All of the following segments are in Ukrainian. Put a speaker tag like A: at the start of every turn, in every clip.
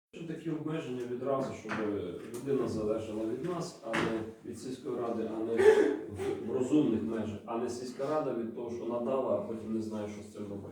A: Такі обмеження відразу, щоб людина залежала від нас, а не від сільської ради, а не в розумних межах, а не сільська рада від того, що надала, а потім не знає, що з цим робити.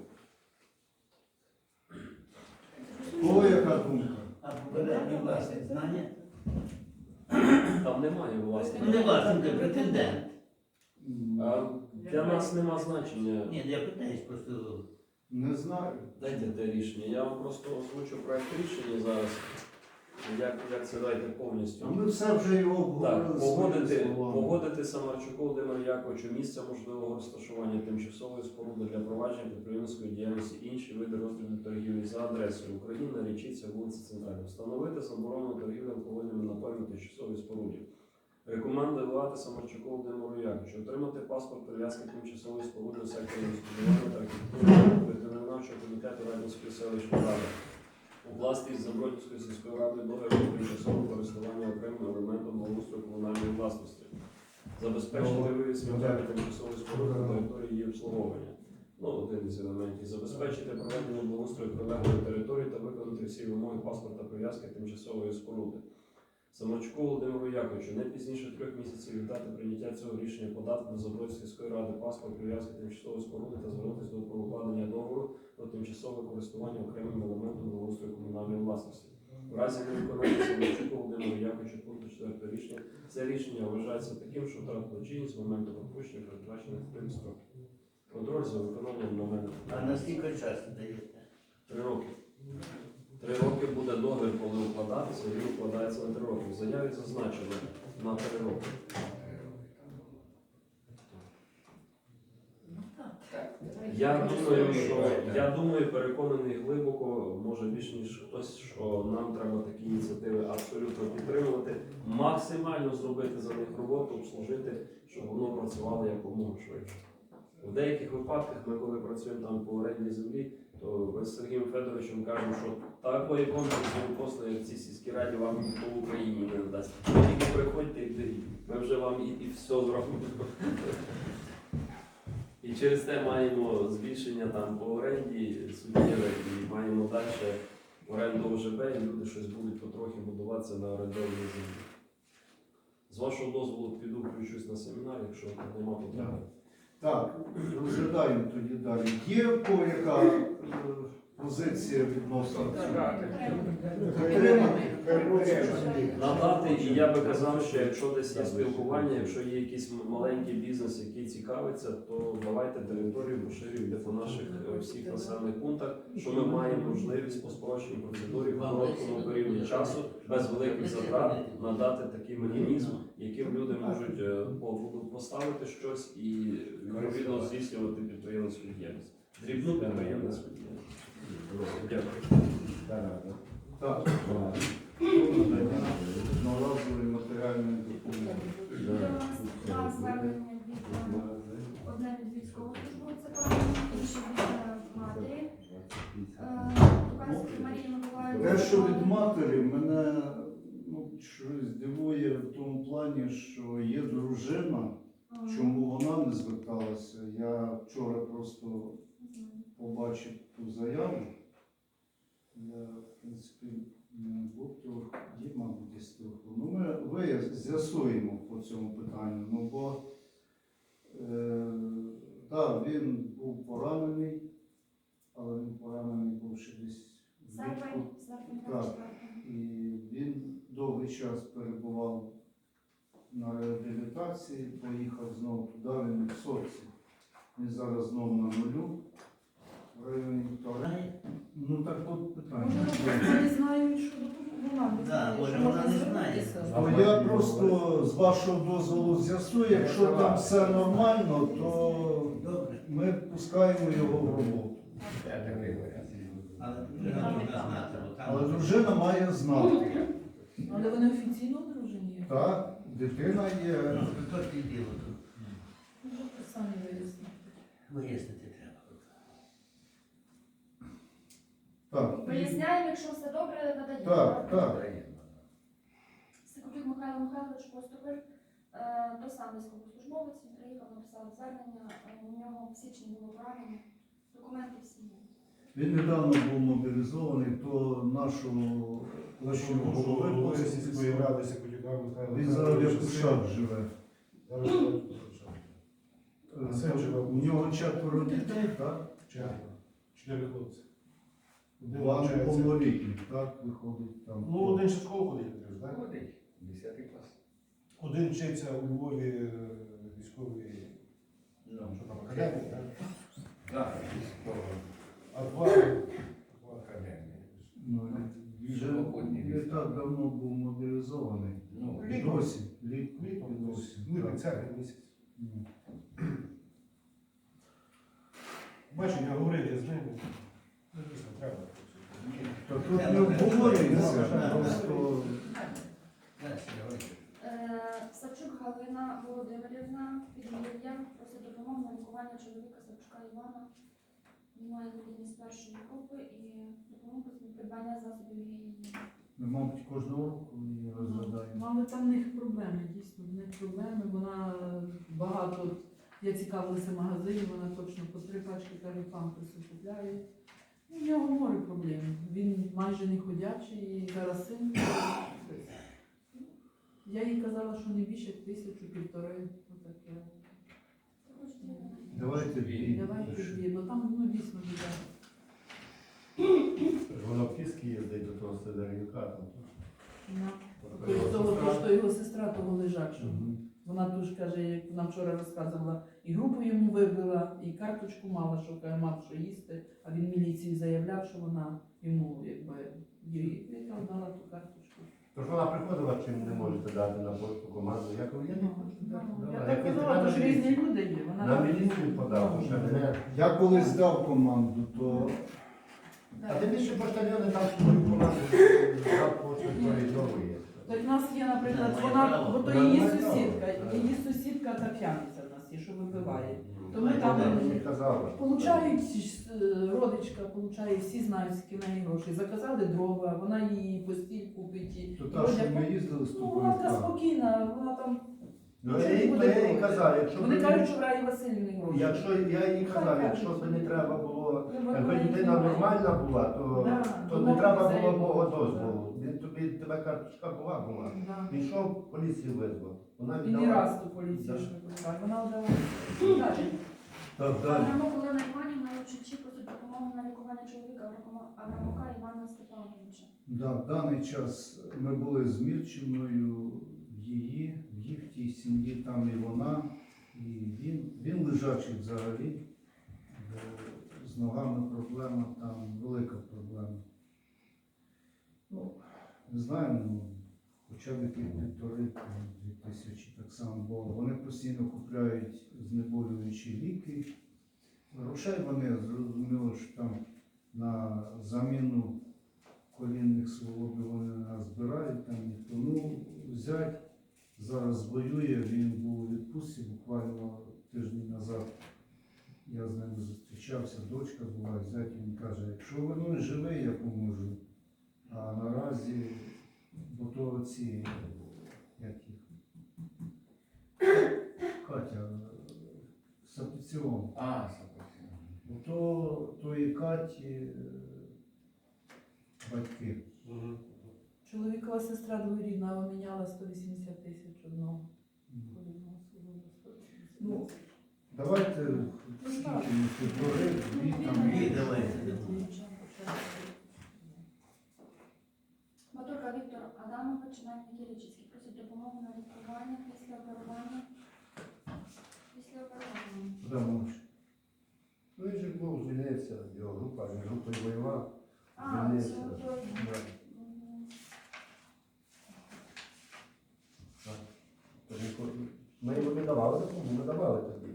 B: Кого яка думка?
C: А попередній власник знання?
A: Там немає власника.
C: Ну не власник, а претендент.
A: А для нас нема значення.
C: Ні, я питаюсь просто.
B: Не знаю.
A: Дайте те рішення. Я вам просто озвучу проект рішення зараз. Як це дайте повністю.
B: А ми все вже його обговорили.
A: Так, погодити Самарчуку Володимиру Яковичу місце можливого розташування тимчасової споруди для провадження підприємницької діяльності інші види роздрібної торгівлі за адресою Україна, Річиця, вулиця Центральна. Встановити заборону торгівлі алкогольними напоями в тимчасовій споруді. Рекомендувати Самарчуку Володимиру Яковичу отримати паспорт прив'язки тимчасової споруди у секторі господарювання та архітектури ветеринарного комітету Радянської селищної ради. Укласти із Забродівської сільської ради договір про тимчасове користування окремим елементом благоустрою комунальної власності. Забезпечити вивіз сміття тимчасової споруди на території її обслуговування. Один із елементів. Забезпечити проведення благоустрою прилеглої території та виконати всі вимоги паспорта прив'язки тимчасової споруди. Самарчуку Володимиру Яковичу не пізніше 3 місяців від дати прийняття цього рішення подати до Забродівської сільської ради паспорт прив'язки тимчасової споруди та звернутися до укладення договору про тимчасове користування окремим елементом благоустрою комунальної власності. В разі невиконання Самарчуку Володимиру Яковичу пункту 4 рішення, це рішення вважається таким, що втратило чинність з моменту пропущення передбачених 3 строків. Контроль за виконанням моменту.
C: А наскільки часу даєте?
A: 3 роки. 3 роки буде договір, коли укладатися, він укладається на 3 роки. В заяві зазначено на 3 роки. Я думаю, переконаний глибоко, може більш ніж хтось, що нам треба такі ініціативи абсолютно підтримувати, максимально зробити за них роботу, обслужити, щоб воно працювало якомога швидше. У деяких випадках ми, коли працюємо там по оренді землі, то ми з Сергієм Федоровичем кажемо, що такої комплексної послуги, як в цій сільській раді, вам ніхто в Україні не надасть. Ви тільки приходьте і беріть. Ми вже вам і все зробимо. І через те маємо збільшення там по оренді суттєве, і маємо далі оренду ОЖБ, і люди щось будуть потрохи будуватися на орендованій землі. З вашого дозволу піду включусь на семінар, якщо нема потреби.
B: Так, розглядаємо тоді далі. Є в кого яка позиція відносно цього?
A: Надати, і я би казав, що якщо десь є спілкування, якщо є якийсь маленький бізнес, який цікавиться, то давайте територію поширюйте по наших всіх населених пунктах, що ми маємо можливість по спрощеній процедурі в короткому періоді часу, без великих затрат, надати такий механізм, яким люди можуть поставити щось і відповідно здійснювати підприємницьку діяльність. Дрібну підприємницьку діяльність. Дякую.
B: Так. Одноразової матеріальної допомоги.
D: Два звернення від одне від військовослужбовця, інше від матері. Туканської Марії Миколаївни.
B: Те, що від матері, мене щось дивує в тому плані, що є дружина, чому вона не зверталася. Я вчора просто побачив ту заяву. Я, в принципі, був є, мабуть, десь телефон. Ми з'ясуємо по цьому питанню, бо так, він був поранений, але він поранений був ще десь влітку. Так, і він довгий час перебував на реабілітації, поїхав знову туди, він в соці. Він зараз знову на нулю. В районі вторгнення. Так от питання.
E: Може, не знають, що вона
C: Так, може вона не знає.
B: Я просто з вашого дозволу з'ясую, якщо там все нормально, то ми пускаємо його в роботу. Але дружина має знати.
E: Але вони офіційно одружені?
B: Так, дитина є.
C: Хто ти діло тут?
E: Самі вияснити.
C: Вияснити треба.
B: Так.
D: Виясняємо, якщо все добре, надаємо.
B: Так.
D: Секутюк Михайло Михайлович Поступиль, той самий військовослужбовець, він приїхав, написав звернення, у нього в січні було поранення, документи всі є.
B: Він недавно був мобілізований, то нашу площу
F: Голови
B: голови
F: сільської ради Сикотюка Михайла.
B: Він зараз як Кушак живе.
F: Зараз живе в Кушак. А син живе в
B: У нього 4 дітей, так?
F: Четверо. 4 хлопці. Один
B: Два
F: навчається.
B: неповнолітніх, так, виходить там.
F: Ну, один ще в школу ходить, так?
C: Ходить, 10 клас.
F: Один вчиться у Львові військовій,
C: Ну,
F: що там, академії, так?
C: так, військово.
F: А два
C: Академія.
B: Ну, він же не так давно був мобілізований.
C: Ну,
B: І досі. Літом
F: літом
B: і досі.
F: липень,
B: так.
F: серпень місяць.
B: Ну.
F: Бачу, я говорив я з ними. Ну, дійсно, треба.
B: Та тут не обговорюється, просто
D: Савчук Галина Володимирівна, підмір'я, просить допомогу на лікування чоловіка Савчука Івана. Він має інвалідність першої групи і допомогу з придбання засобів гігієни.
B: ми, мабуть, кожного року її розглядаємо.
E: Але там в них проблеми, дійсно, в них проблеми. Вона багато, я цікавилася в магазині, вона точно по 3 пачки каже, памперси купляє. Ну, в нього море проблем. Він майже не ходячий і зараз син. Я їй казала, що не більше 1000-1500. Отаке.
B: Давайте дві.
E: Давайте дві, бо там ну, дійсно біда.
G: Вона в Київській їздить до того Сидоренка. там.
E: Да. Того, що його сестра того лежачого. Вона дуже каже, як нам вчора розказувала, і групу йому вибила, і карточку мала, що каже, мав що їсти, а він міліції заявляв, що вона йому якби їй дала ту карточку.
G: Тож вона приходила, чим не можете дати на пошту команду. Я кажу, я не хочу дати.
E: Ну,
G: Давай.
E: я так
G: Якось
E: казала,
G: треба
E: то ж
G: на
E: різні
G: міліцію.
E: люди є. Вона
G: На міліцію подав, що мене.
B: Я колись дав команду, то
G: А ти більше поштальйони там свою команду за пошту коридорує.
E: Так в нас є, наприклад,
C: Немає
E: вона,
C: права.
E: бо то
G: Вона
E: її
G: має
E: сусідка,
G: право.
E: її сусідка та п'яниця в нас є, що вибиває. То ми
G: Вона
E: там
G: мені казала.
E: получають, родичка получає, всі знають, скільки в неї грошей. Заказали дрова, вона її постіль купить. І
B: то та, що ми їздили з
E: ну, вона така
B: тобою.
E: спокійна, вона там.
G: Ну, я їй казав, якщо
E: Вони
G: б
E: кажуть, що в Раї Васильівні гроші.
G: якщо я їй казав, якщо б не треба було, якби людина нормальна була, то не треба було мого дозволу. Він тобі тебе карточка була.
E: Да.
G: Пішов, поліцію визвав. Вона
E: І не
G: віддала.
E: раз ту поліцію ж викликає. Вона одала.
B: Так, далі.
D: Аврамок Олена Іванівна Лучичі просить допомогу на лікування чоловіка Аврамока Івана Степановича.
B: Да, в даний час ми були з Мірчиною, в їх тій сім'ї, там і вона, і він лежачий взагалі, бо з ногами проблема, там велика проблема. Ну, не знаю, ну, хоча б які 1500-2000 так само, бо вони постійно купляють знеболюючі ліки. Грошей вони зрозуміло, що там на заміну колінних суглобів вони не збирають, там ніхто. Ну, зять зараз воює, він був у відпустці буквально тиждень назад. Я з ним зустрічався, дочка була, зять він каже, якщо воно живе, я поможу. А наразі, бо то ці, як їх, Катя, Сапіціон. Тої Каті батьки.
E: Чоловікова сестра двоюрідна обміняла 180 тисяч одного.
B: Ну, давайте скільки ми півтори, дві там.
C: Дві давайте.
D: Моторка Віктор Адамович, Навіть Киричівський, просить допомогу на лікування після оперування.
B: Адамович.
G: Ну, він же був, звільнився, його група, він групою воював,
D: А,
G: звільнився.
D: це той.
G: Да. Тож ми йому не давали допомогу, ми давали тоді,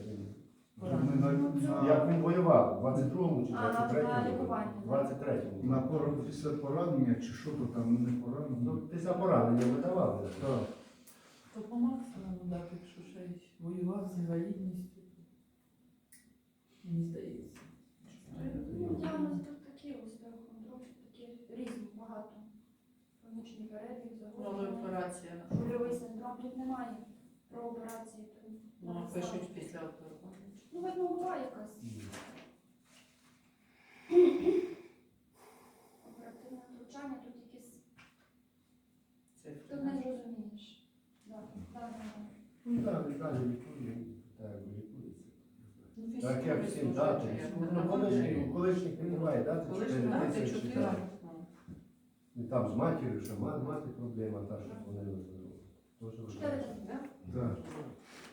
G: як він воював, в 22-му чи
D: А, на
G: 23-му?
D: лікування,
G: В 23-му.
B: Після поранення чи що то там не поранення?
G: Ну, після поранення ми давали.
B: Так.
E: То по максимуму дати, якщо ще й воював з інвалідністю. Мені здається.
D: Ну, діагнози тут такі, остеохондроз, такі різні, багато. Хронічний перебіг, загострення,
E: операція.
D: шульовий синдром. Тут немає про операції.
E: Воно пишуть після операції.
D: Ну, видно, була якась оперативне втручання, тут якісь
G: Ну так, далі лікує, так лікується.
E: Ну,
G: Так як всім
E: фізкультури
G: дати.
E: служать, як
G: Ну,
E: вона
G: колишніх немає, дати
E: Колишні
G: 4
E: дати
G: тисячі.
E: 4.
G: так. І там з матір'ю, що мати проблема, та, що вони визнали.
D: 4 тисячі, так?
B: Так.